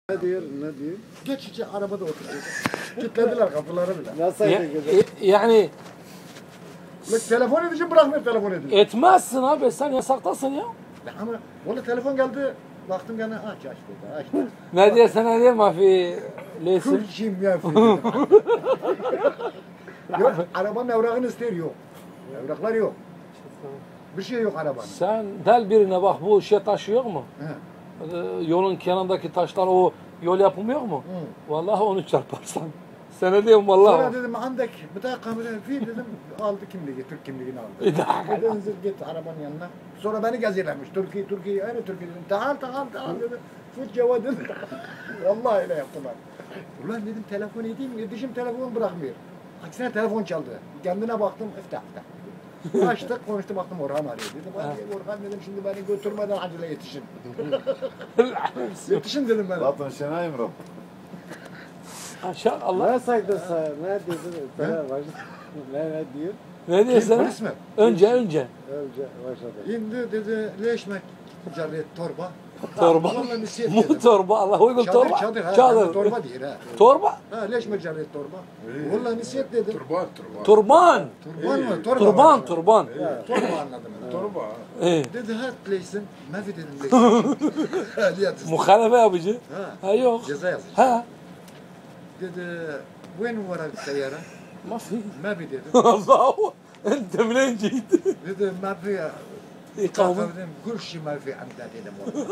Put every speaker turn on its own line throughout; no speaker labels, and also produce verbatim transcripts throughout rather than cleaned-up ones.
Ne diyor, ne diyor?
Geç içe arabada oturuyor. Kilitlediler kapıları bile.
Nasıl
Ya-
edecek?
e- yani
Lan telefon edeceğim bırakmıyor telefon edeceğim.
etmezsin abi, sen yasaktasın ya.
Ama valla telefon geldi. Baktım gene aç aç dedi aç dedi.
Ne diye sana diye mafi leysin.
Türkçeyim ya. dedim. Yok arabanın evrakını ister yok. Evraklar yok. Bir şey yok arabanın.
Sen del birine bak, bu şey taşıyor mu?
He.
Ee, yolun kenarındaki taşlar, o yol yapılmıyor mu?
Hı.
Vallahi onu çarparsan. Sana diyorum
Sonra
vallahi.
dedim andek bir daha kamera fi dedim aldı kimliği Türk kimliğini aldı.
Bir daha.
Dedim git arabanın yanına. Sonra beni geziyorlarmış. Türkiye Türkiye aynı Türkiye dedim. Tahal tahal tahal dedim. Fut cevap dedim. Vallahi öyle yaptılar. Ulan dedim telefon edeyim mi? Dişim telefon bırakmıyor. Aksine telefon çaldı. Kendine baktım iftah iftah. Açtık konuştu baktım Orhan arıyor. Dedim hadi Orhan dedim şimdi beni götürmeden acele yetişin. Yetişin dedim ben.
Zaten Şenay Emre.
Aşağı Allah.
Ne saydı sana? Ne dedi? Sana baş... ne, ne diyor?
Ne diyor
Kim,
sana?
polis mi?
Önce önce.
Önce başladı.
İndi dedi leşmek carret torba.
Torba.
Vallahi nisiyet
Bu
dedim.
torba, Allah uygun
Çadır
torba.
çadır ha.
Çadır.
Torba değil ha.
Torba.
Ha leşmek carret torba. Vallahi nisiyet dedim.
Turban, turban.
Turban.
Turban mı? Torba.
Turban,
var.
turban.
Torba anladım ben.
Turban.
Ee,
Dedi ha leysin. Mafi dedim leysin. Ha liyat.
muhalefe yapıcı.
Ha.
Ha yok.
Ceza yazmış.
Ha.
Dedi وين ورا السيارة؟
ما في.
ما في dedi.
الله، انت منين جيت؟
Dedi ما في
İkamı.
dedim كل شيء ما في عندها dedim.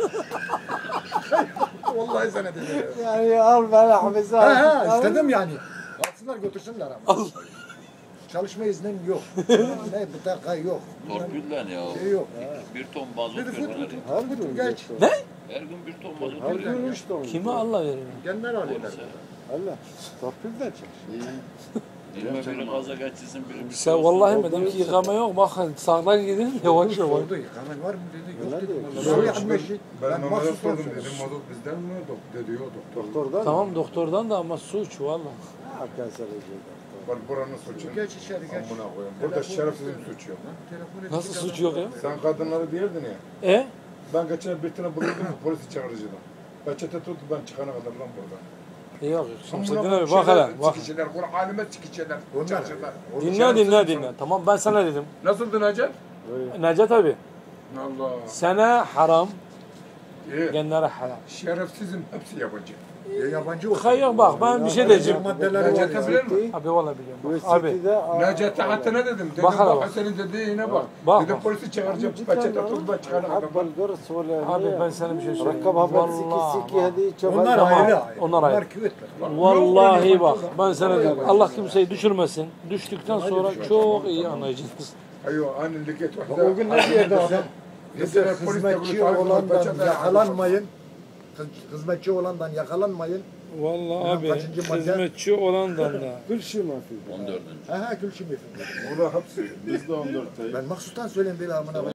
Vallahi sana dedi.
Yani al beni hapise al.
Ha ha istedim yani. Alsınlar götürsünler ama. Çalışma iznim yok. Ne bıtaka yok.
Torpillen ya.
Şey yok.
Bir ton mazot
Dedi fut
veriyorlar.
fut.
Her gün
Geç.
Ne?
Her gün bir ton mazot
Her
veriyorlar.
gün üç ton.
Kime Allah veriyor?
Kendiler alıyorlar.
Allah. Torpil de çalışıyor.
Elime biri gaza geçsin, biri bir şey
Sen
olsun.
vallahi mi dedim ki yıkama yok, bakın sağdan gidin yavaş yavaş.
Sordu yıkaman var mı dedi. Yok
Öyle
dedim.
diyor.
Vallahi yapma şey.
Ben
Ben
Mehmet'e
mahsus
sordum
sordum.
dedim mazot bizden mi? Dok dedi yok doktor.
Doktordan
Tamam doktordan da ama suç valla.
Hakan söyleyecek.
Bak buranın suçu.
Geç içeri geç.
Amına koyayım. Burada şerefsizin suçu yok.
Telefon edip
Nasıl
çıkardım.
suç yok ya?
Sen kadınları diyordun ya.
E?
Ben geçen bir tane bulundum polisi çağırıcıdan. Peçete tuttu ben çıkana kadar lan burada.
E yok yok. Şimdi
Amına
dinle bir
koyayım,
bak hele.
şeyler,
Bak.
Çıkışlar, Kur'an alime çıkışlar.
Onlar-
Çarşıda.
Dinle dinle dinle. Tamam ben sana dedim.
Nasıldı Necet?
Necdet abi.
Allah.
Sana haram,
İyi.
genlere halal.
Şerefsizin hepsi yabancı.
Ya yabancı olsun.
Hayır bak ben bir şey diyeceğim.
Maddeleri var
Necet'e
ya.
bilir mi?
Abi valla biliyorum.
Bu
Bak, abi.
City'de
Necet'e hatta ne dedim? Dedim
Bak
bak,
hele bak.
senin dediğine bak.
Bak,
Dedim
bak.
polisi çağıracağım. Peçete tuttu ben çıkana kadar.
أقبل قرص ولا
Abi ben sana bir şey söyleyeyim.
ركب هبل سكي
Vallahi
سكي
bak.
هذه شباب
Onlar
Tamam.
ayrı ayrı.
Onlar ayrı.
Onlar küvetler.
Vallahi bak ben sana diyorum. Allah kimseyi düşürmesin. Düştükten sonra çok iyi anlayacaksınız.
Ayo aynı liket var.
Bak o gün ne diyordu adam?
Mesela
Dedi,
polis de bunu
hizmetçi
takip
olandan
peçete-
yakalanmayın. Hız- Hizmetçi olandan yakalanmayın.
Vallahi abi
Kaçıncı madde?
hizmetçi olandan da.
كل şيء ما في
on dördüncü.
Ha ha gülşüm efendim.
Burada hepsi. Bizde on dört.
Ben mahsustan söyleyeyim bir amına.